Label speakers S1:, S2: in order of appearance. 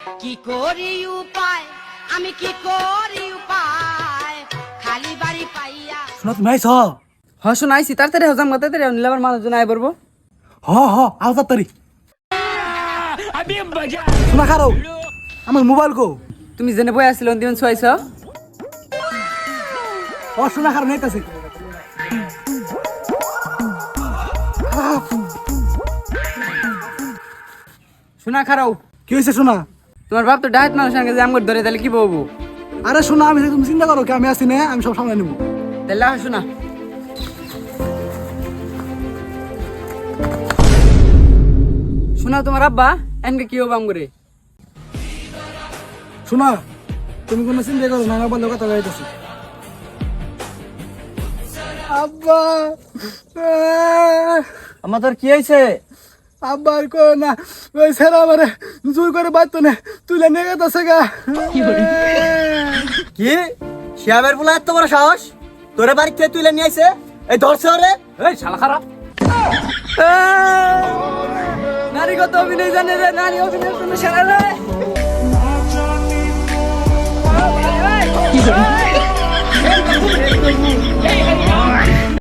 S1: কি করি উপায়, আমি কি করি উপায়, খালি বাড়ি পাইয়া।
S2: শোনা তুমি আইছ?
S3: হ শোনাইছি তাড়াতাড়ি হজাম তাড়াতাড়ি নিলে আবার মানুষজন আয় পড়বো।
S2: আও তাড়াতাড়ি। শোনা খারো, আমার মোবাইল কো?
S3: তুমি জেনে বই আসছিল দিন ছয়ছ।
S2: শোনা খারো নেইতাছে।
S3: শোনা খারাও,
S2: কি হয়েছে শোনা?
S3: তোমার বাপ তো ডাইট মানুষ আগে জাম করে ধরে তাহলে কি বলবো?
S2: আরে শোনা, আমি তুমি চিন্তা করো কি, আমি আছি না, আমি সব সামনে নেবো।
S3: তাহলে শোনা শোনা তোমার আব্বা এনকে কি হবাম করে।
S2: শোনা তুমি কোনো চিন্তা করো না, আমার বন্ধু কথা গাইতেছি। আব্বা
S3: আমার তোর কি হয়েছে?
S2: আব্বা আর কো না, ওই ছেলে আমারে জোর করে বাঁধতো না, তুলে নিয়ে গেছে গা।
S4: কি শিয়াবের বলা এত বড় সাহস, তোরে বাড়ি থেকে তুলে নিয়ে আইছে? এই ধরছে ওরে।
S3: এই শালা খারাপ নারী কত অভিনয় জানে রে, নারী অভিনয় জন্য সেরা রে।